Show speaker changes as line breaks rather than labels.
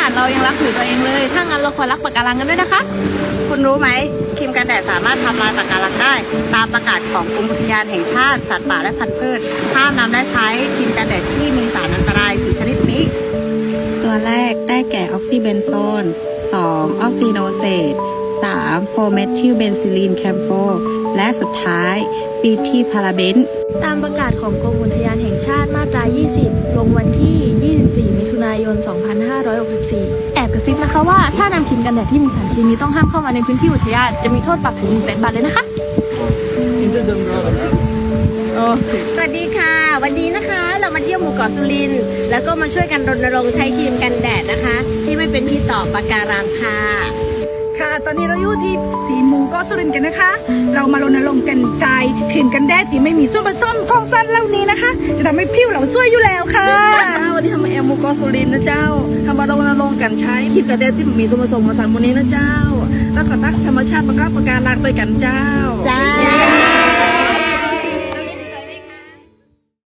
นาดเรายังรักผิวตัวเองเลยถ้างั้นเราควรรักปะการังกันด้วยนะคะ
คุณรู้ไหมครีมกันแดดสามารถทำลายปะการังได้ตามประกาศของกรมอุทยานแห่งชาติสัตว์ป่าและพันธุ์พืชห้ามนำและใช้ครีมกันแดดที่มีสารอันตราย4ชนิดนี้
ตัวแรกได้แก่ออกซิเบนโซน 2. ออกติโนเซต 3. โฟเมทิลเบนซิลีนแคมโฟและสุดท้ายปีทีพาราเบน
ตามประกาศของกรมอุทยานแห่งชาติมาตรา 20 ลงวันที่ 24 มิถุนายน 2564
แอบกระซิบนะคะว่าถ้านำครีมกันแดดที่มีสารเคมีต้องห้ามเข้ามาในพื้นที่อุทยานจะมีโทษปรับถึง 100,000 บาทเลยนะคะ
สวัสดีค่ะวันนี้นะคะเรามาเที่ยวหมู่เกาะสุรินทร์แล้วก็มาช่วยกันรณรงค์ใช้ครีมกันแดดนะคะที่ไม่เป็นพิษต่อปะการังค่ะ
ค่ะตอนนี้เราอยู่ที่หมู่เกาะสุรินทร์กันนะคะ เรามารณรงค์กันใช้ครีมกันแดดที่ไม่มีส่วนผสมของสารเหล่านี้นะคะ จะทำให้ผิวเราสวยอยู่แล้วค่ะ
วันนี้ทำแอมหมู่เกาะสุรินทร์นะเจ้าทำมารณรงค์กันใช้ครีมกันแดดที่มีส่วนผสมของสารพวกนี้นะเจ้าแล้วก็ตักธรรมชาติประกอบปะการังด้วยกันเจ้า